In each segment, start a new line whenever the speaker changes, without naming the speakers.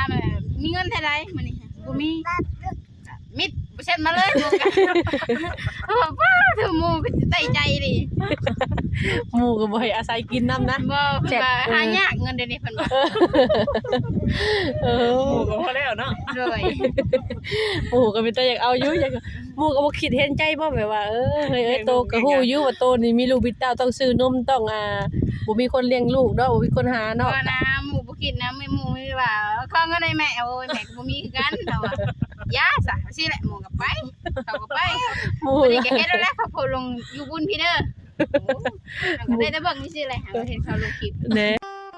น่ะมีเงินเท่าใดมื้อนี้บ่มีมิดบ่เช็ดมาเลยหมู่กันว้าเธอหมู่ก็ใส่ใจดิ
หมู่ก็บ่ให้อาศัยกินน้ำนะ
บ่เพิ่นว่าหายากเงินเดี๋ยวนี้เพิ่นว่า
เออ
หมู่ก็พอแล้วเนาะ
เลย
หมู่ก็เป็นตาอยากเอาอยู่อยากหมู่ก็บ่คิดเห็นใจบ่แบบว่าเฮ้ยโตก็ฮู้อยู่ว่าโตนี่มีลูกมีเต้าต้องซื้อนมต้องบ่มีคนเลี้ยงลูกเนาะบ่มีคนหาเนาะ
ว่านะหมู่บ่คิดนะหมู่มีว่าขอเงินให้แม่โอ้ยแม่ก็บ่มีคือกันเนาะว่ายาซะสิแหละหมู่ก็ไปเขาก็ไป
หมู่
บ่ได้ก็เฮ็ดแล้วแหละเขาโพสต์ลงอยู่บุญพี่เด้อโอ้ก็ได้แต่เบิ่งนี่สิแหละหาว่าเห็นเขาลงคลิป
แหน่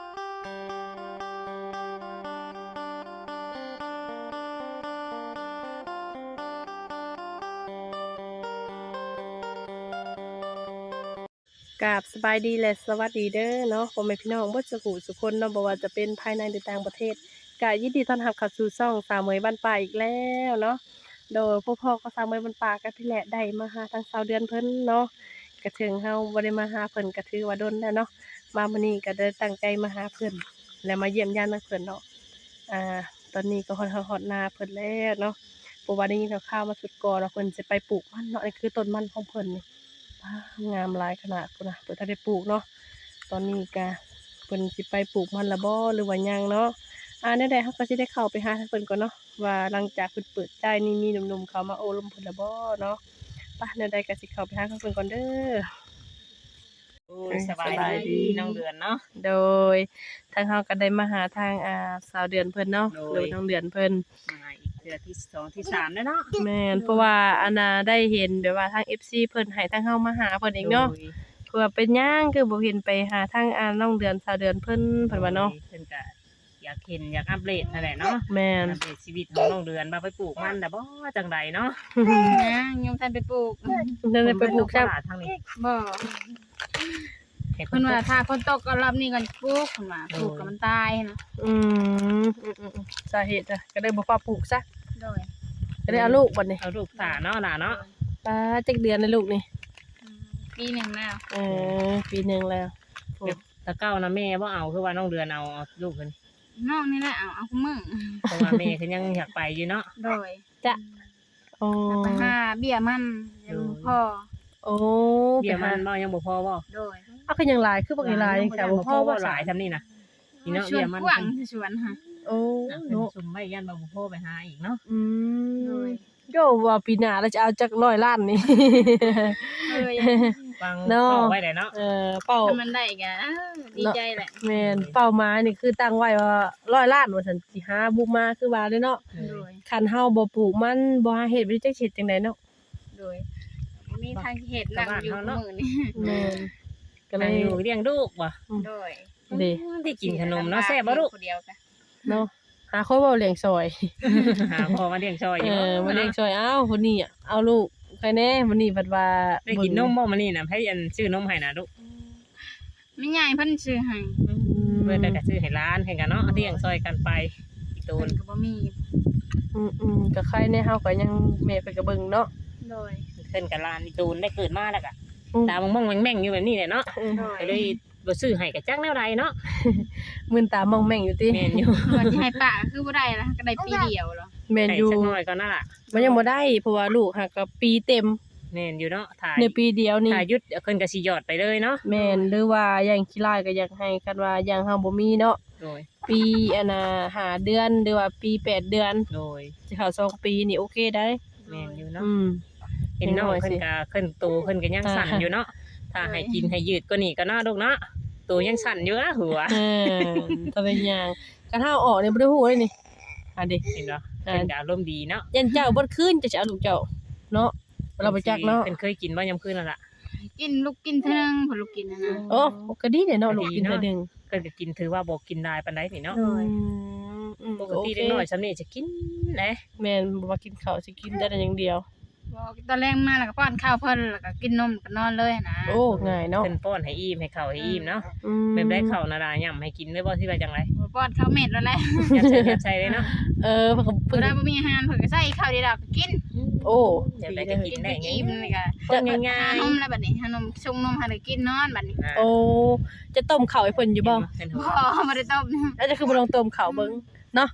กราบสบายดีและสวัสดีเด้อเนาะพ่อแม่พี่น้องเบิดสุขุสุคนเนาะบ่ว่าจะเป็นภายในหรือต่างประเทศก็ยินดีต้อนรับเข้าสู่ช่องสาวเหมยบ้านป่าอีกแล้วเนาะโดยพวกพ่อก็สาวเหมยบ้านป่าก็พี่แหละได้มาหาทางสาวเดือนเพิ่นเนาะก็ถึงเฮาบ่ได้มาหาเพิ่นก็ถือว่าดนแล้วเนาะมามื้อนี้ก็ได้ตั้งใจมาหาเพิ่นและมาเยี่ยมญาติเพิ่นเนาะตอนนี้ก็ฮอดนาเพิ่นแล้วเนาะเพราะว่าได้ยินข่าวมาสุดก่อนว่าเพิ่นสิไปปลูกมันเนาะนี่คือต้นมันของเพิ่นนี่ งามหลายขนาดพุ่นน่ะเพิ่นถ้าได้ปลูกเนาะตอนนี้ก็เพิ่นสิไปปลูกมันละบ่หรือว่ายังเนาะแนวใดเฮาก็สิได้เข้าไปหาทางเพิ่นก่อนเนาะว่าหลังจากเพิ่นเปิดใจนี่มีหนุ่มๆเข้ามาโอ้ลมเพิ่นละบ่เนาะไปแนวใดก็สิเข้าไปหาทางเพิ่นก่อนเด้อ
โอ้ยสบายดีน้องเดือนเนาะ
โดยทางเฮาก็ได้มาหาทางสาวเดือนเพิ่นเนาะหรือน้องเดือนเพิ่น
มาอีกเดือนที่2ที่3แล้วเนาะ
แม่นเพราะว่าอันน่ะได้เห็นแบบว่าทาง FC เพิ่นให้ทางเฮามาหาเพิ่นเองเนาะ เพื่อเป็นหยังคือบ่เห็นไปหาทางน้องเดือนสาวเดือนเพิ่นว่าเนาะ
เพิ่นก็อยากเห็นอยากอัปเดตนั่นแหละเนาะ
แม่น
อัปเดตชีวิตของน้องเดือนว่าไปปลูกมันแต่บ่จังใดเนาะ
นะยังทันไปปลูก
นั่นได้ไปปลูกครับ
ทางนี้
บ่
เห็น
เพิ่นว่าถ้าฝนตกก็รอบนี้ก่อนปลูกเพิ่นว่าปลูกก็มันตายนะ
อืมสาเหตุก็ได้บ่ฟ้าปลูกซะ
โดย
ก็ได้เอาลูกบัดนี้
เอาลูกตาเนาะล่ะเนาะ
ป้าจักเดือนแล้วลูกนี่
ปีหนึงแล้ว
ปีหนึงแล้ว
ตะเก้านะแม่บ่เอาคือว่าน้องเดือนเอาลูกเพิ่น
น้องนี่แหละเอาคุมึง
เพราะว่าแม่เพิ่นยังอยากไปอยู่เนาะ
โดย
จ้ะโอ้
ไปหาเบี้ยมันยังพ่อ
โอ้
เบี้ยมันบ่ยังบ่พอบ่
โดย
เอาคือยังหลายคือบ่หลายจังซี่บ่พอบ่
หลายซำนี่นะนี่เนาะ
ชว
เบี้
น
ยมัน
กว้างชวนฮะ
โอ้
เนาะ
เนาะ
ซุ่มไว้ยันบ่พอไปหาอีกเนาะ
อื
โด
ม
ย
โยว่าปีหน้าเราจะเอาจัก100ล้านนี่
เออ
ฟัง
เนาะ
เข้าไว้ได้เนาะ
เป้า
ถ้ามันได้ก็ดีใจแหละ
แม่นเป้าหมายนี่คือตั้งไว้ว่า100ล้านว่าซั่นสิหาบุกมาคือว่าเด้อเนาะ
โดย
คันเฮาบ่ปลูกมันบ่หาเฮ็ดบ่ได้จักสิเฮ็ดจังไดเนาะ
โดยมีทางเห็ดนั่งอยู่มื้อนี้
แม่นก็เล
นั่ง
ย
อยู่เลี้ยงลูกว่ะ
โดย
เด้
ได้กินขนมเนาะแซ่บบ่ลูก
คนเดียวกัน
เนาะหาคนเว้าเลี้ยงซอย
หาพ่อมาเลี้ยงซอยอยู่
มาเลี้ยงซอยอ้าวคนนี้เอาลูกใครแน่วันนี้บัดว่า
ได้กินนมบ่มื้อนี้น่ะให้อันซื้อนมให้น่ะลูก
ไม่ใหญ่เพิ่นซื้อให้
เพิ่นก็ซื้อให้ร้านให้กันเนาะเลี้ยงซอยกันไปอีตู
เพิ่
น
นก็บ่มี
ก็ใครแน่เฮาก็ยังแม่ไปก็เบิ่งเนาะ
โดย
เพิ่นก็ร้านอีตูนได้เกิดมาแล้วก็ตามองๆแม่งๆอยู่แบบนี้แหละเนาะ
โดย
ก็เลยบ่ซื้อให้ก็จักแนวใดเนาะ
มึนตามองแม่งอยู่ติ
แม่นอยู่
ว่าสิให้ป้าคือบ่ได้ล่ะก็ได้ปีเดียวเหรอ
แม่น
ให้
อยู่
สักหน่อยก็นั่นล่ะ
มันยังบ่ได้เพราะว่าลูกหักก็ปีเต็ม
แม่นอยู่เนาะถ่าย
ในปีเดียวนี่
ถ่ายหยุดเพิ่นก็สิหยอดไปเลยเนาะ
แม่นหรือว่าอย่างขี้ลายก็อยากให้คันว่าอย่างเฮาบ่มีเนาะ
โดย
ปีอันน่ะ5เดือนหรือว่าปี8เดือน
โดย
สิเข้า2ปีนี่โอเคได้
แม่นอยู่เนาะ
อืม
เห็นน้องเพิ่นก็เพิ่นโตเพิ่นก็ยังสั่นอยู่เนาะถ้าให้กินให้ยืดกว่านี้ก็น่าลูกเนาะตัวยังสั่นอยู่นะหัว
ตะเป็นหยังคันเฮาออกนี่บ่ได้ฮู้เลยนี่อันดิ
เห็นบ่เพิ่นก็อารมณ์ดีเนาะ
ยันเจ้าบ่คืนจะสิเอาลูกเจ้าเนาะเราบ่จักเนาะ
เพิ่นเคยกินบ่ยามคืนนั่นล่ะ
กินลูกกินเท่านึงเพิ่นลูกกินนั่นน่ะ
โอ้ก็ดีเด้เนาะลูกกินเทื่อหนึง
เพิ่นก็กินถือว่าบ่กินได้ปานใดนี่เนาะ
โดย
ปกติเด็กน้อยซำนี้จะกินแหละ
แม่นบ่ว่ากินข้าวสิกินได้แต่อย่างเดียว
บอกตอนแรกมาแล้วก็ป้อนข้าวเพิ่นแล้วก็กินนมแล้วก็นอนเลยนะ
โอ้ง่ายเนาะ
เพิ่นป้อนให้อิ่มให้ข้าวให้อิ่มเนาะ
อืม
แบบได้ข้าวนาดาย่ํให้กินได้บ่ที่ว่าจังได
ป้อนข้าวเม็ดแล้วแหละ
ยัดใส่เลยเนาะ
เพิ่นก็
เวลาบ่มีอาหารเพิ่นก็ใส่ข้าวเดียวก็กิน
โอ้
อยากได้ก็กิ
กิ
น
น
ได้
ได้
ไง
อิ่มนี่ก็
คนง่า
หาย นมแล้วบัดนี้หานมชงนมให้ได้กินนอนบัดนี้
ๆ
โอ้จะต้มข้าวให้เพิ่นอยู่บ่
เป็น
บ่
หัว
บ่ได้ต้ม
แล้วจะคือบ่ลองต้มข้าวเบิ่งเนาะ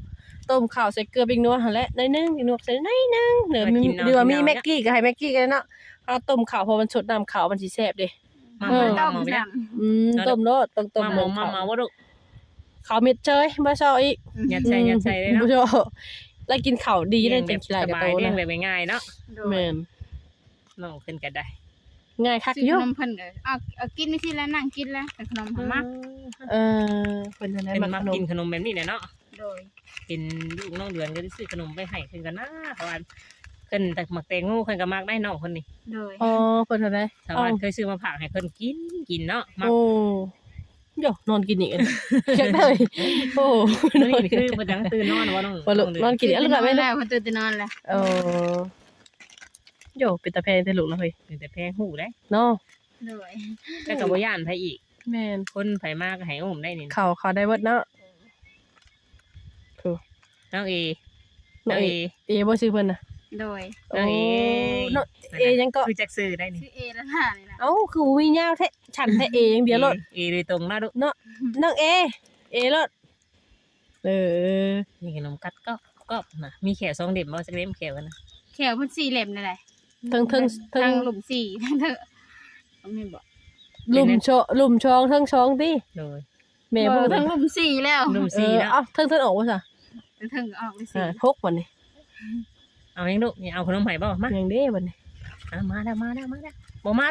ต้มข้าวใส่เกลือปิ้งนัวหั่นแหละน้อยนึงปิ้งนัวใส่น้อยนึงเดี๋ยวมีดีว่ามีแม็กกี้ก็ให้แม็กกี้ก็ได้เนาะเอาต้มข้าวพอมันสดน้ำข้าวมันสิแซ่บเด้
มา
ต้
มาม ไป
ซ้
ต้มโลดต้องต้ม
มาหมอมาว่าลูก
ข้าวเม็ดเชยบ่ชอบอีก
ยัดใส่เลยเนาะ
บ่ชอบแล้วกินข้าวดีได้จังขี้ลาย
ส
กระ
บา
โต
ยเลี้ย
นะ
งแบบง่ายๆเนาะ
ำ
แม่น
น้องขึ้นก็ได้
ง่ายคัก
ซื้
อ
อยู่ ขนมเพิ่นก็เอากินไม่สิแล้วนั่งกินแล้วแต่ขนมหอมมาก
เพิ่นจะได้
เป็น
มา
มา
ขนม
กินขนมแบบนี้เนี่ยเนาะ
โดย
เป็นลูกน้องเดือนก็ได้ซื้อขนมไปให้ขึ้นกันนะเพราะว่าขึ้นแต่หมักแตงโมขึ้นก็มักได้น้องคนนี้
โดย
อ๋อเพิ่นจะได้
ชาวบ้านเคยซื้อมาฝากให้ขึ้นกินเนาะมัก
โอ้โยนอนกินอีกอันอยากได้โอ้
นี่คือบ่จังตื่นนอนว่าน้อง
บ่ลูกนอนกินแล้วลูกก็ไม่
แล้
ได้
วเพิ่นตื่นแต่นอนแล้ว
เออโยเป็นตาแพงแต่ลูกแล้วเฮ้ย
แต่แพงหูได้
เนาะ
โดย
แล้วก็บ่ย่านไผอีก
แม่น
คนไผมากก็ให้อุ้มได้นี่
เขาได้เบิดเนาะ
น้องเอ
น้
น้
อ
อง ง
เอ
เอ
บ่ชื่อเพิ่นน่ะ
โดย
น้องเอ
น้องเอยังก็
คือจักซื้อได้นี่
ชื่อเอแล้วน่ะนี่นะ
เอ้าคือบ่มียาวแท้ฉันแท้เออย่างเดียวโลด
เอโดยตรงนะลูก
น้องเอโลดอ
นี่ขนมกัดก็นะมีแขว2เด็บบ่จักเล่มแขวกันนะ
แขวเพิ่น4เล่มนั่นแหละ
เทิง
ทางหลุม4ทั้งเถอะบ่มีบ่
หลุมช่องเทิงช่องติ
โดย
แม่
บ่
บ่
ทั้งหลุม4แล้ว
ลุมซีนะ
เอ้าเทิงออกบ่ซะ
ถึงออกเลยสิ
พกบ่นี่
เอายังลูกนี่เอาขนมไผ่บ่มา
ยังเด้บ่นี่
มาแล้วบ่มาลูกบ่มา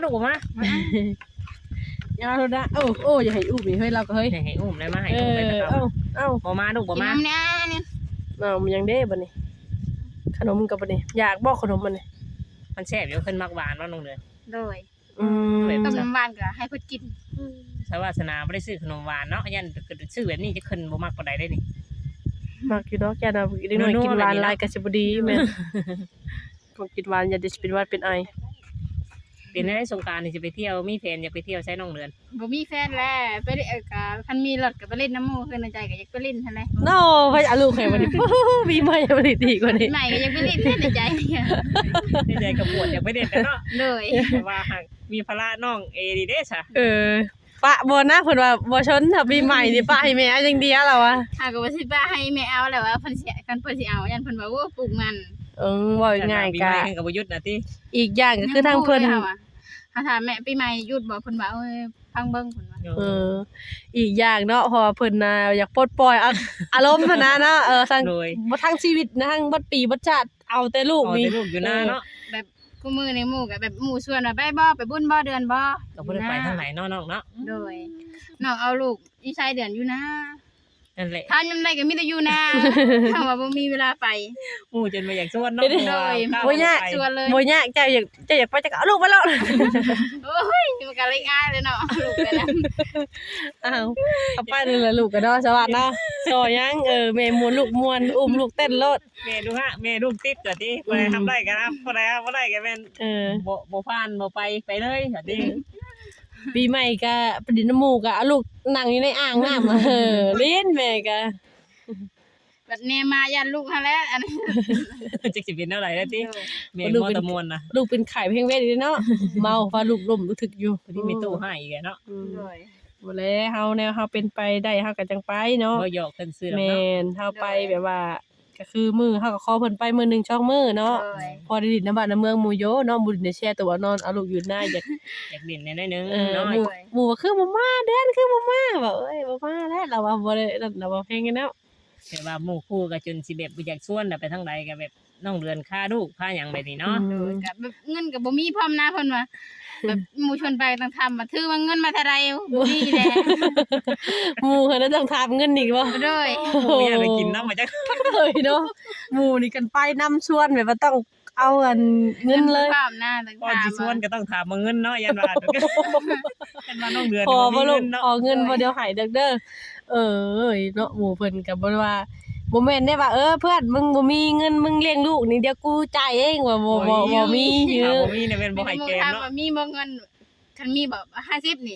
ยาวแล้วนะโอ้อย่าให้อุ้มนี่เฮ้ยเราก็เฮ้ย
ให้อุ้มได้มาให้
เอ
อุ้มไป
อ
ตะ
เอ้า
เกาบ่มาลูกบ่
กิน
มา
น้ำเนี่ยนี่
มันยังเด้บ่นี่ขนมกับบ่นี่อยากบ่ขนมมันนี่
มันแซ่บอยู่ขึ้นมักหวานว่าน้องเดือน
โดย
แบบ
ต้มน้ำหวานก็ให้เพิ่นกิน
สวาสนาบ่ได้ซื้อขนมหวานเนาะยันซื้อแบบนี้จะขึ้นบ่มักปานใดได้นี่
มักอยู่ดอกแก่น่ะเด็กน้อยกินหวานหลายก็สิบ่ดีแม่นก็กินหวานอย่าได้เป็นหวัดเป็นไอ
เป็นได้สงกรานต์นี่สิไปเที่ยวมีแฟนอยากไปเที่ยวใช้น้องเดือน
บ่มีแฟนแล้วไปเล่นก็คันมีรถก็ไปเล่นน้ำหมู่คือในใจก็อยากไปเล่นหั่นแหละ
โน่ไปเอาลูกให้บ่นี่มีใหม่บ่นี่ดีกว่านี้
ใหม่ก็อยากไปเล่นแค่ในใจเนี่ย
ในใจกับปวดอยากไปเด็ดกันเนาะ
เลย
แต่ว่าหากมีภาระน้องเอดีเด้ซะ
ปะบ่นะเพิ่นว่าบ่ชนถ้าปีใหม่นี่ปะให้แม่จังเดียวแล้ววะ
หากว่าสิป้าให้แม่เอาแล้วว่าเพิ่นสิกันเพิ่นสิเอายันเพิ่นว่าโอ้ปลูกมัน
ว่าง่าย
ปี
กะ
ใหม่กับบ่หยุดนะติ
อีกอย่างก็คือทางเพิ่น
ถ้าถามแม่ปีใหม่หยุดบ่เพิ่นว่าเอ้ยพังเบิ่งเพิ่นว่า
อีกอย่างเนาะเพราะว่าเพิ่นน่ะอยากปลดปล่อยอารมณ์หั้นนะเนาะทั้ง
โดย
บ่ทั้งชีวิตนะทั้งบัดปีบัดชาติเอาแต่ลูก
เอา
นี่
แต่ลูกอยู่หน้าเนาะ
แบบกูมือในหมู่ก็แบบหมู่ชวนว่าไปบ่ไปบุญบ่เดือนบ่
ก็บ่ได้ไปทางไหนเนาะน้องเนาะ
โดยน้องเอาลูกอีชายเดือนอยู่นะ
นั่นแหละ
ทานยามใดก็มีแต่อยู่นะถ้าว่าบ่มีเวลาไป
หมู่จนมาอยากชวนเนาะ
บ่ยาก
ชวนเลย
บ่ยากเจ้าอยากไปจะเอาลูกมาแล้ว
โอ้ยมันก็เลยง่ายเลยเนาะลูกไปแล้ว
อ้าวเอาไปนี่ล่ะลูกก็เนาะสวัสดีเนาะซอยังแม่มวนลูกมวนอุ้มลูกเต้นโลด
แม่ดูฮะแม่ลูกติดก็ติบ่ได้ทำได้กันนะบ่ได้บ่ได้ก็แม่นบ่ผ่านบ่ไปเลยก็ติ
ปีใหม่ก็ประดิษฐ์น้ำมูกเอาลูกนั่งอยู่ในอ่างน้ำเล่นแม่ก็
แบบแนมายันลูกหั่นแหละอันนี้
จักสิเป็นเท่าไหร่แล้วติแม่บ่ตะมวนน่ะ
ลูกเป็นไข่เพ่งเวทอีกเนาะ เมาฟ้าลูกล่มรู้ถึกอยู่
พอดีมีตู้ให้อีกเนาะ
โดย
บ่แล้วเฮาแนวเฮาเป็นไปได้เฮาก็จังไปเนาะ
บ่หยอกกันซื้อแล้ว
แม่
เนาะ
นเฮาไปแบบว่าก็คือมื้อเฮาก็ขอเพิ่นไปมื้อหนึงช่องมื้อเนาะ
โดย
พอได้ดินน้ำบ้านน้ำเมืองหมู่โยเนาะบ่ได้แช่ตัวนอนเอาลูกอยู่หน้าอยาก
อยากเด่นหน่อยนึง
ห
น้อย
มู่ว่าคือบ่มาเดือนคือบ่มาว่าเอ้ยบ่มาแล้วเราว่าบ่ได้เราว่าเพลงกันแล้ว
แต่ว่าหมู่คู่ก็จนสิแบบบ่อยากชวนไปทางใดก็แบบน้องเดือนค่าลูกค่าหยังแบบนี้เนาะ
โดยกับแบบเงินก็บ่มีพร้อมนะเพิ่นว่าแบบหมู่ชวนไปต้องทำมาถือว่าเงินมาเท่าใดบ่มีแหละ
หมู่เพิ่นน่ะต้องทาบเงินอีกบ่
โดย
หมู่อยากได้กินน้ำมาจัก
เลยเนาะหมู่นี่กันไปนํชวนแบบว่าต้องเอาอันเงินเลย
พร้อมนะต้อง
ก่อน
ถาม
สิชวนก็ต้องถามมาเงินเนาะยันว่ายันว่าน้องเดือน
พอบ่
มี
ลู
เงิ
ก
นเนาะ
พอเงินบ่เดี๋ยวหายเด้อเนาะหมู่เพิ่นก็บ่ว่าบ่แม่นได้ว่าเพื่อนมึงบ่มีเงินมึงเลี้ยงลูกนี่เดี๋ยวกูจ่ายเองว่าบ่มีเย
ถาม
อะ
บ่มีเนี่ยเป็นบ่ให้แกม
ถาม
เนาะ
ว่ามีบ่เงินคันมีแบบ50นี่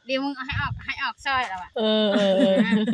เดี๋ยวมึงเอาให้ออกซอยแล้วอ่ะ
เออ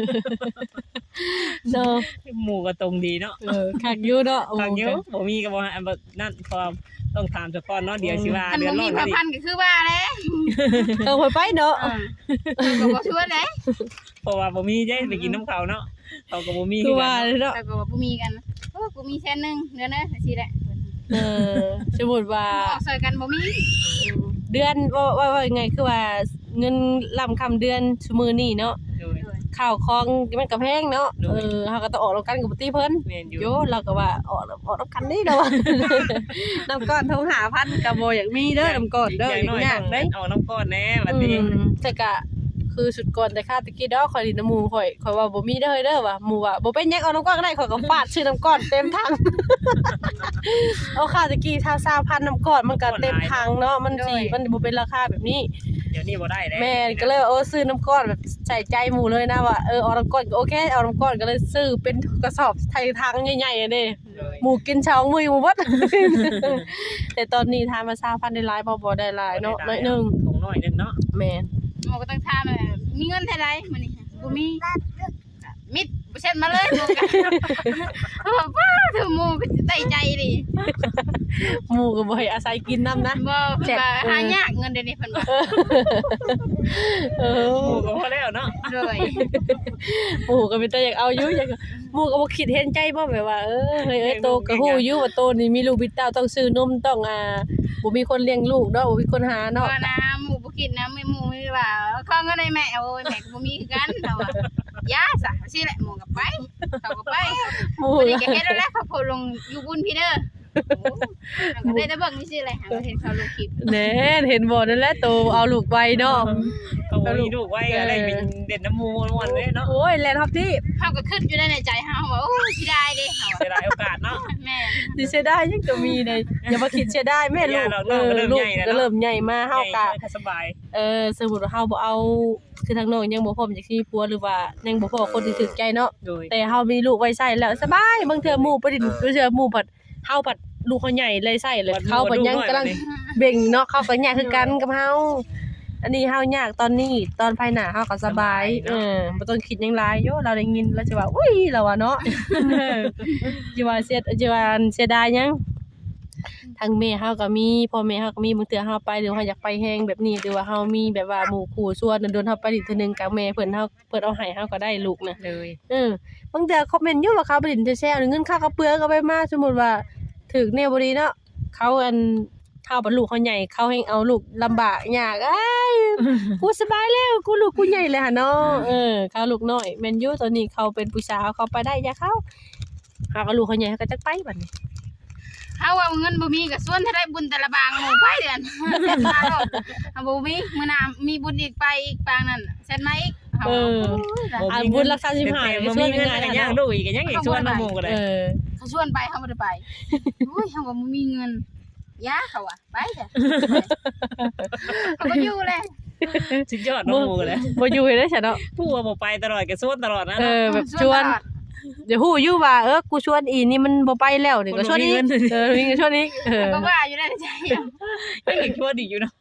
เนาะ
หมู่ก็ตรงดีเนาะ
คักอยู่เนาะ
ทางเยอะบ่มีก็บ่อันบ่นั่นพอต้องถามเจ้าก่อนเนาะเดี๋ยวสิว่า
คัน
เดือ
บ่
นร้
มี
อน
พระ
ดิ
พันก็คือว่าแหละ
ไปเนาะ
ก็บ่ชวนเด้
เพราะว่าบ่มีได้ไปกินน้ำเขาเนาะเขาก็บ่มี
คือ
กั
ว่าน เนาะ
แต่ก็บ่มีกันโอ้กูมีแสนนึงเดือนนะสิแหละ
สมมุติว่า
ออกซอยกันบ่มี
เดือนว่าไงคือว่าเงินล่ำคำเดือนซุมื้อนี้เนาะ
โดย
ข้าวของมันก็แพงเนาะ
โดย
เฮาก็ต้องออกแล้วกันกับบ่ติเพิ่น
แม่นอยู่
โยเราก็ว่าออกน้ำกันนี่เด้อ น้ำก้อนทง5,000ก็บ่อยากมีเด้อน้ำก้อนเด้อ
อย่างน้อย
ยา
ต้
ก
อง
เด้
เอาน้ำก้อนแน่บัดนี้
แต่ก็คือสุดก่อนแต่ค่าตะกี้ดอกข่อยดินน้ำหมูข่อยว่าบ่มีเด้อเด้อว่ะหมู่ว่าบ่เป็นหยังเอาน้ำก้อนก็ได้ข่อยก็ฟาดชื่อน้ำก้อนเต็มถัง เอาค่าตะกี้20,000น้ำก้อนมันก็เต็มถังเนาะมันบ่เป็นราคาแบบนี้
เดี๋ยวนี้บ่ได้แล้ว
แม่ก็เลยซื้อน้ำก้อนแบบใส่ใจหมู่เลยนะว่าเอาน้ำก้อนก็โอเคเอาน้ำก้อนก็เลยซื้อเป็นกระสอบไทยถังใหญ่ๆอ่ะเด้
โดย
หมูกินเช้ามื้อหมู่เบิด แต่ตอนนี้ทานมา20,000ได้หลายบ่ได้หลายเนาะน้อยหนึง
ของน้อยนึงเนาะ
แม่น
หมอก็ต้องถามมีเงินเท่าใดมื้อนี้บ่มีมิดบ่เช็ดมาเลยหมู่กันว้าเธอหมู่ก็ใจใจดิ
หมูก็บ่ให้อาศัยกินน้ำนะ
บ่เพิ่นว่าหายากเงินเดี๋ยวนี้เพิ่นว่า
เอ
หมู่
อ
ก็พอแล้วเนาะ
โดย
หมูก็เป็นแต่อยากเอาอยู่อยากหมูก็บ่คิดเห็นใจบ่แบบว่าเฮ้ยโตก็ฮู้อยู่ว่าโตนี่มีลูกมีเต้าต้องซื้อนมต้องบ่มีคนเลี้ยงลูกเนาะบ่มีคนหาเนาะ
ว่านะหมู่บ่คิดนะไม่หมู่มีว่าขอเงินให้แม่โอ้ยแม่ก็บ่มีคือกันเฮาว่ายาซะสิแหละหมู่ก็ไปเขาก็ไป
หมู
วันนี้ก็เฮ็ดแล้วแหละเขาโพสต์ลงอยู่บุญพี่เด้อโอ้ก็ได้แต่เบิ่งนี่สิแหละหาก็เห็นเขาลงคลิป
แน่เห็นบ่นั่นแหละโตเอาลูกไว้เนาะ
เขาบ่มีลูกไว้ก็ได้เป็นเด่นน้ำหมู่ม่วนเลยเนาะ
โอ้ยแล่นครับที่
เฮาก็คิดอยู่ในใจเฮาว่าโอ้ยสิได้เด้เฮา
เสียดายโอกาสเนาะ
แม่
สิเสียดายยังจะมีเลยอย่ามาคิดเสียดายแม่ลูก
ลูกก็เริ่ม
ลู
ให
ก
ญ่แล้ว
ก็เริ่มใหญ่มาเฮาก็
สบาย
สมมุติว่าเฮาบ่เอาคือทางน้องยังบ่พร้อมจักสิมีผัวหรือว่ายังบ่พอคนที่ถูกใจเนาะ
โดย
แต่เฮามีลูกไว้ใช้แล้วสบายบางเทื่อหมู่บ่ได้บางเทื่อหมู่ผัดเฮาผัดลูกเขาใหญ่เลยใช้เลยเขาผัดยังกำลังเบ่งเนาะเขาก็ยากคือกันกับเฮาอันนี้เฮายากตอนนี้ตอนภายหน้าเฮาก็สบายบ่ต้องคิดหยังหลายโยเราได้ยินแล้วสิว่าอุ้ยเราว่าเนาะสิว่าเสียดายหยังทางแม่เฮาก็มีพ่อแม่เฮาก็มีบางเทื่อเฮาไปหรือเฮาอยากไปแฮงแบบนี้หรือว่าเฮามีแบบว่าหมู่คู่ส่วนโดนๆเฮาไปอีกเทื่อนึงกับแม่เพิ่นเอาให้เฮาก็ได้ลูกนะ
เลย
บางเทื่อคอมเมนต์อยู่ว่าเขาไปดินแซ่ๆเงินค่ากระเปื้อก็ไปมาสมมุติว่าถึกแนวบ่ดีเนาะเขาเฮาบัดลูกเขาใหญ่เขาให้เอาลูกลำบากยากกูสบายแล้วกูลูกกูใหญ่แล้วหั่นเนาะเขาลูกน้อยแม่นอยู่ตอนนี้เขาเป็นผู้สาวเขาไปได้อย่าเขาหาก็ลูกเขาใหญ่เขาก็จักไปบัดนี้
เฮาว่าเงินบ่มีก็ส่วนถ้าได้บุญแต่ละบางหมู่ไปเดือนเซ็นมาโลดเฮาบ่มีมื้อหน้ามีบุญอีกไปอีกปางนั้นเซ็นมาอีกเฮา
บุญรักษาสิบหาย
บ่มีเงินก็ยังลูกอีกก็ยังอีกชวนน้ำหมู่ก็ได้
เขาชวนไปเฮาบ่ได้ไปโอ้ยเฮาว่าบ่มีเงินยาเขาอ่ะไปเด้อเขาก็อยู่แหละ
สุดยอดน้ำหมู่ก็ได้
บ่อยู่ได้ซะเนาะ
ผู้ว่าบ่ไปตลอดก็ชวนตลอดนะ
แบบชวนเดี๋ยวฮู้อยู่ว่ากูชวนอีนี่มันบ่ไปแล้วนี่ก็ชวนอีกมีเงินชวนอีก
ก็ว่าอยู่ในใจ
ยังอีกชวนอีกอยู่เนาะ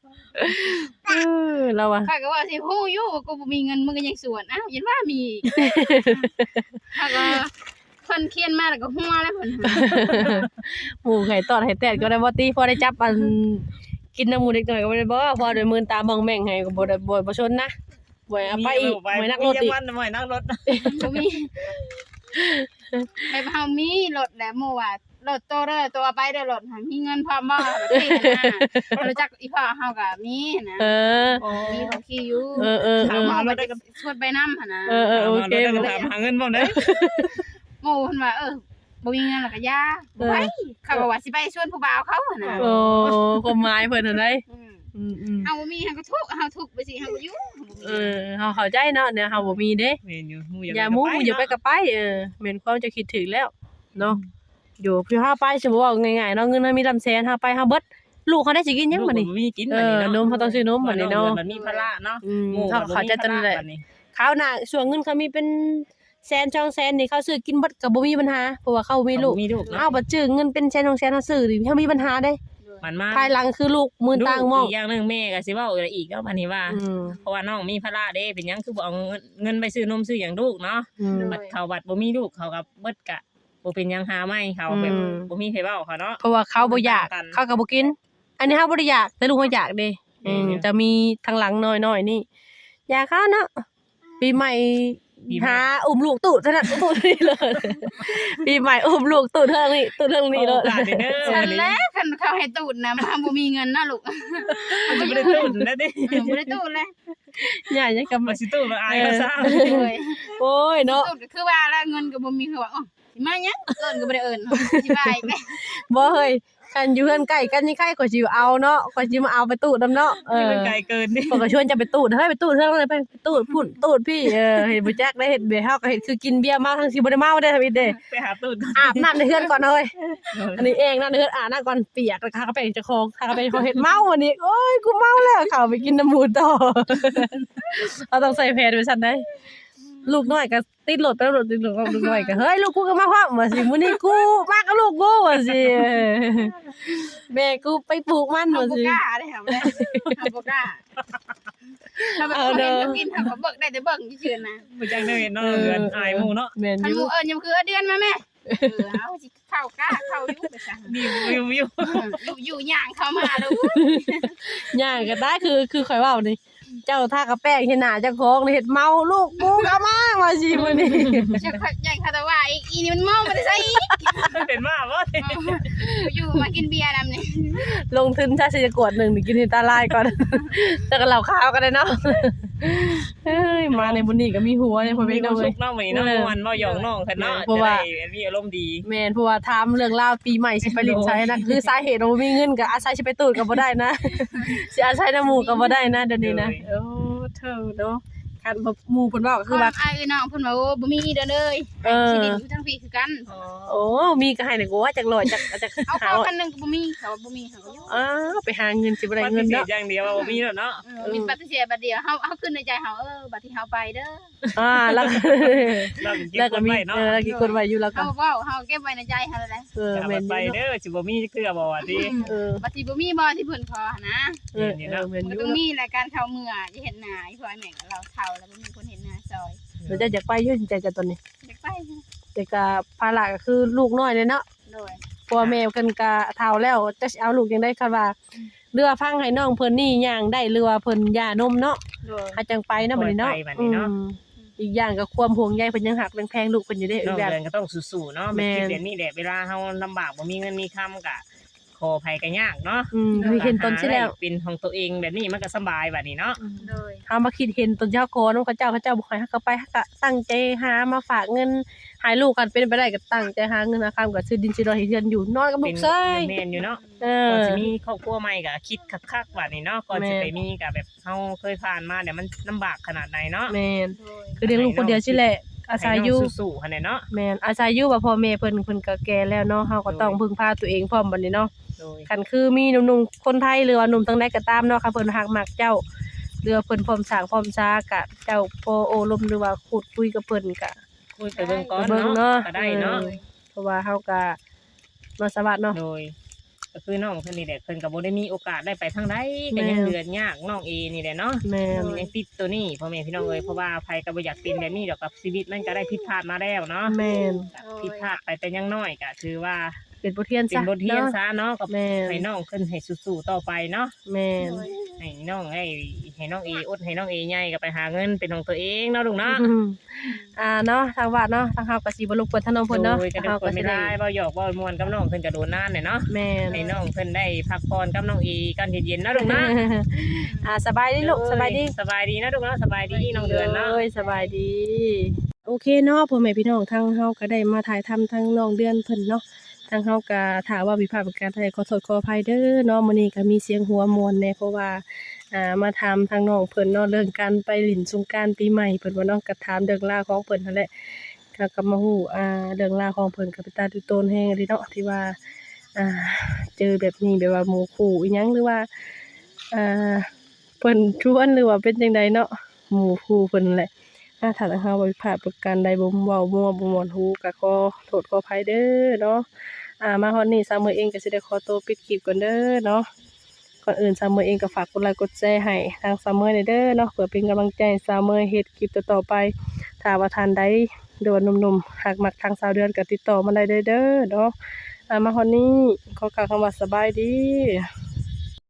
เราอะ
ข้าก็ว่าสิฮู้อยู่ว่ากูบ่มีเงินมึงก็ยังสวนอ้าวยันว่ามีข้าก็เพิ่นเขียนมาแล้วก็หัวแล้วเพิ่น
หมูไข่ตอดไข่แตดก็ได้บ่ตีพอได้จับกินน้ำหมูเด็กหน่อยก็บ่ได้บ่พอด้วยมือตาบังแม่งให้ก็บ่ได้บ่ชนนะบ่เอาไปอีกบ่นักรถอีก
บ่นักรถ
บ่มีไปเฮามีรถแล้วหมู่ว่ารถโตเด้อตัวไปเด้อรถหามีเงินพร้อมบ่แบบนี้นะรู้จักอีพ่อเฮาก็มีนะมีเขาขี่อยู่ถามเอาไปชวนไปนำหั่นนะ
โอเค
ถามหาเงินบ่ได้
หมู่เพิ่นว่าบ่มีเงินแล้วก็ยาไปเขาก็ว่าสิไปชวนผู้บ่าวเขาหั่นน่ะ
โอ้ความหมายเพิ่นหั่นได้
เฮาบ่มีเฮาก็ทุกข์เฮาทุกข์ไปสิเฮาก็อยู่
เฮาเข้าใจเนาะเนี่ยเฮาบ่มีเด้
แม่นอยู่หมู่
อย่ามูอย่าไปก็ไปแม่นความจะคิดถึงแล้วเนาะอยู่พี่เฮาไปสิบ่ว่าง่ายๆเนาะเงินมันมีลำแสนเฮาไปเฮาเบิดลูกเขาได้สิกินหยังบัดนี้
มีกินบัดนี้เนาะ
นมเขาต้องซื้อนมบัดนี้เนาะ
มันมีภาระเนาะ
เขาจะตนแหละคราวหน้าส่วนเงินเขามีเป็นแสน2แสนนี่เขาซื้อกินเบิดก็บ่มีปัญหาเพราะว่าเขามีลูก
มีลูก
เอาบัดจื้อเงินเป็นแสน2แสนเฮาซื้อนี่เฮามีปัญหาเด้
มันมา
ภายหลังคือลูกมือต่างหมอง
อีกอย่างหนึงแม่ก็สิเว้าอีกเนาะบัดนี้ว่า เพราะว่าน้องมีภาระเด้เป็นหยังคือบ่เอาเงินไปซื้อนมซื้อหยังลูกเนาะ บัดเขาบัดบ่มีลูกเขาก็เบิดกะบ่เป็นหยังหาไม่เขาแบบบ่มีไผเว้าเขาเนาะ
เพราะว่าเขาบ่อยากเขาก็บ่กิน อันนี้เฮาบ่ได้อยากแต่ลูกเฮาอยากเด้จะมีทางหลังน้อยๆนี่อยากเขาเนาะปีใหม่หาอุ้มลูกตูดซะนั่นตูดนี่เลยปีใหม่อุ้มลูกตูดเรื่องนี้ตูดเรื่องนี้เลย
โอกาสเด้อ
ฉั
วัน นนี้
แล้คันเขาให้ตูดนะมาบ่มีเงินนะลูก
มันจะบ่ได้ตุ้นแล้วเด้
บ่ได้ตูดเลย
ใหญ่ยังกับ
มาสิตุ้นมาอายเขาซะ
เลย
โอ้ยเนาะ
ตูดก็คือว่าแล้วเงินก็บ่มีคือว่าอ๋อสิมาหยังเอิ้นก็บ่ได้เอิ้นสิบายไป
บ่เฮ้ยกันอยู่เฮือนใกล้กันนี่ใครก็สิเอาเนาะก็สิมาเอาไปตูดนำเนาะ
นี่มันไกลเกินนี่
ปกชวนจะไปตูดเฮ้ยไปตูดเท่าเลยไปตูดพุ่นตูดพี่เห็นบ่แจ๊กได้เห็นเบียร์เฮาก็เห็นคือกินเบียร์เมาทั้งสิบ่ได้เมาได้ทำอีเด้
ไปหาตุ้น
อาบน้ำในเฮือนก่อนเฮ้ยอันนี้เองนะในเฮือนอาบน้ำก่อนเปียกแล้วก็ไปเจ้าของถ้าก็ไปเขาเห็นเมาอันนี้โอ้ยกูเมาแล้วเข้าไปกินน้ำหมูต่อเอาต้องใส่แพรด้วยซั่นได้ลูกน้อยก็ติดรถไปรถติดรถลูกน้อยก็เฮ้ยลูกกูก็มาพร้อมว่าสิมื้อนี้กูมากับลูกกูว่าสิแม่กูไปปลูกมัน
เฮา
ว่า
บ่
สิ
กล้าเด้ครับเฮาบ่กล้าถ้าแบบเขาเห็นเขากินเขาก็เบิกได้แต่เบิ่งซื่อๆนะ
บ่จังได้เห็นเนาะเดือนอายหมู่เนาะ
แม่น
คั
อน
ห
ยู่
มู่เอิ้นยังคือเดือนมาแม่เอาสิเข้ากล้าเข้าอยู่ไปซะ
นี่อยู่
อยู่ย่างเข้ามาแล้ว
ย่างก็ได้คือข่อยเว้านี่เจ้าทากระแป้งเฮ็ดหน้าเจ้าของนี่เฮ็ดเมาลูกกูก็มาว่าสิมื้อนี้
จะใหญ่คาตาว่าอีนี่มันมองบ่ได้ใส่อีก
เป็นมาบ่
อยู่มากินเบียร์นำนี่
ลงทุนชาติจะกวด1นี่กินให้ตาลายก่อนแต่ก็เหล้าขาวก็ได้เนาะเฮ้ยมาในบุญนี่ก็มีหัวเนี่ยพ่อ
มี
แม่
ความ
เนาะ
สุ
เว้ย
ขเนาะมื้อนี้เนาะม่วนบ่หยอกน้องคั่นเนาะ
เพราะว่า
จะได้มีอารมณ์ดี
แม่นเพราะว่าถามเรื่องราวปีใหม่สิไปลิ้นชัยนะคือสาเหตุว่าบ่มีเงินก็อาศัยสิไปตูดก็บ่ได้นะสิอาศัยน้ำหมู่ก็บ่ได้นะเดี๋ยวนี้นะโอ้เธอเนาะคันบ่หมู่เพิ่นเว้าก็
คื
คือ อ
ว่า
ว่า
อ้ายน้องเพิ่นว่าโอ้บ่มีเด้อเลย
เออ
สิดินอยู่ทั้งพี่คือกัน
โอ้มีก็ให้นี่กูว่าจักร้อยจัก
เอา
หา
เข้า
ร้อย
กันนึงก็บ่มีเขาบ่มีเขาอยู่
อ้าวไปหาเงินสิบ่ได้
ป
เงิ
ฏิ
น
เส
เนาะ
ธอย่างเดียวว่าบ่มีแล้วเนาะ
มีปฏิเสธบัดเดียวเฮาขึ้นในใจเฮาบัดที่เฮาไปเด้อ
แล้ว
เราก็เก็บ
แล้ว
ค
ก็
น
มี
ไว้เนาะ
แล้วกี่คนไว้อยู่แล้วก็
เฮาเว้าเฮาเก็บไว้ในใจเฮาเลย
อย่า
แม่น
ไป
อยู่
เด้อสิบ่มีเทื่อบ่ว่าติ
บัดที่บ่มีบ่ที่เพิ่นขอนะ
แม่นอยู่
มัน
เนาะ
ต้องมีรายการเข้าเมื่อจะเห็นหน้าอีพ่อแม่กับเราเฒ่าแล้วบ่มีคนเห็นหน้าซอย
เดี๋ยวจะอยากไปอยู่ใจจะตอนนี้
อยากไป
แต่ก็ภาระก็คือลูกน้อยเลยเนาะ
โดย
พ่อแม่เพิ่นก็เฒ่าแล้วจะสิเอาลูกจังได๋คันว่าเรือฟังให้น้องเพิ่นนี่ย่างได้หรือว่าเพิ่นย่านมเนาะ
โดย
หาจังไปเนาะบัดนี้เนาะอีกอย่างก็ความห่วงใยเพิ่นยังหักแพงลูกเพิ่นอยู่เด้อี
น้อก ง
อย่าง
เดือนก็ต้องสู้ๆเนาะ
แม่
แม่
น
เดี๋ยวนี้แหละเวลาเฮาลำบากบ่มีเงินมีคำก็ขออภัยก็ยากเนาะ
คือเห็นตนสิแล้ว
เป็นของตัวเองแบบนี้มันก็สบายบัดนี้เนาะ
โดย
เฮามาคิดเห็นตนเจ้าขอนำเขาเจ้าบ่ให้เฮาก็ไปเฮาก็ตั้งใจหามาฝากเงินให้ลูกกันเป็นไปได้ก็ตั้งใจหาเงินหาคำก็ซื้อดินซื้อดอยให้เฮือนอยู่นอนกับลู
เป็
ก
น
เซ้ย
แม่นอยู่เนาะ
เอ
ก่อน
อ
สิมีครอบครัวใหม่ก็คิดคักๆบัดนี้เนาะก่อนสิ
แม่น
ไปมีก็แบบเฮาเคยผ่านมาเดี๋ยวมันลำบากขนาดไหนเนาะ
แม่น
โดย
คือเลี้ยงลูกคนเดียวสิแหละอาศัยอยู่
ให้น้งสู้ๆหั่นแหละเนาะ
แม่นอาศัยอยู่ว่าพ่อแม่เพิ่นก็แก่แล้วเนาะเฮาก็ต้องพึ่งพาตัวเองพร้อมบัดนี้เนาะ
โดย
คันคือมีหนุ่มๆคนไทยหรือว่าหนุ่มทางใดก็ตามเนาะค่ะเพิ่นฮักมักเจ้าหรือว่าเพิ่นพร้อมสร้างพร้อมช้ากะเจ้าพอโอลมหรือว่าพูดคุยกับเพิ่นก็
คุยไปเบิ่งก่อน
เบิ่งเนาะ
เนาะก็ได้เนาะ
เพราะว่าเฮาก็มาสวัสดเนาะ
โดยก็คือน้องเพิ่นนี่แหละเพิ่นก็บ่ได้มีโอกาสได้ไปทางใด
แม่
ก็ยังเดือนยากน้องเอนี่แหละเนาะ
แม่น
ยังติดตัวนี้พ่อแม่พี่น้องเอ้ยเพราะว่าไผก็บ่อยากเป็นแบบนี้ดอกกับชีวิตมันก็ได้ผิดพลาดมาแล้วเนาะ
แม่น
ผิดพลาดไปแต่ยังน้อยก็ถือว่า
เป็นบทเรียน
เป็
ซะ
นบทเรียน
เนาะ
ซะเนาะกับ
แม่น
ให้น้องขึ้นให้สู้ๆต่อไปเนาะ
แม่น
ให้น้องให้น้องเออดให้น้องเอใหญ่ก็ไปหาเงินเป็นของตัวเองเนาะลูกเนาะ
เนาะทางวัดเนาะทางเฮาก็สิบ่รบกวนทางน้องเพิ่นเนาะ
โดยก็ได้
เฮา
ค
ก็
น
สิ
ไม่
ได้
ได้บ่หยอกบ่ม่วนกับน้องเพิ่นก็โดนนานเนี่ยเนาะ
แม่น
ให้น้องเพิ่นได้พักผ่อนกับน้องเอกันเย็นๆเนาะลูกเนาะ
สบายดีลูกสบายดี
สบายดีนะลูกเนาะสบายดีน้องเดือนเนาะ
โอ้ยสบายดี โอเคเนาะพ่อแม่พี่น้องทางเฮาก็ได้มาถ่ายทำทางน้องเดือนเพิ่นเนาะทางเฮาก็ถามว่าผิดพลาดประการใดขอโทษขออภัยเด้อเนาะมื้อนี้ก็มีเสียงหัวมวนแน่เพราะว่ามาถามทางน้องเพิ่นเนาะเรื่องการไปหลินสงกรานต์ปีใหม่เพิ่นว่าเนาะก็ถามเรื่องราวของเพิ่นนั่นแหละก็มาฮู้เรื่องราวของเพิ่นก็เป็นตาดูโตนแฮงเลยเนาะที่ว่าเจอแบบนี้แบบว่าหมู่คู่อีหยังหรือว่าเพิ่นชวนหรือว่าเป็นจังไดเนาะหมู่คู่เพิ่นนั่นแหละถ้าทางเฮาบ่ผิดพลาดประการใดบ่เว้ามั่วบ่ม่วนฮู้ก็ขอโทษขออภัยเด้อเนาะมาฮอดนี้สาวมื้อเองก็สิได้ขอตัวปิดคลิปก่อนเด้อเนาะก่อนอื่นสาวมื้อเองก็ฝากกดไลค์กดแชร์ให้ทางสาวมื้อหน่อยเด้อเนาะเพื่อเป็นกำลังใจให้สาวมื้อเฮ็ดคลิปต่อๆไปถ้าว่าท่านใดโดนหนุ่มๆหากมักทางสาวเดือนก็ติดต่อมาได้เด้อเนาะมาฮอดนี้ขอกล่าวคำว่าสบายดี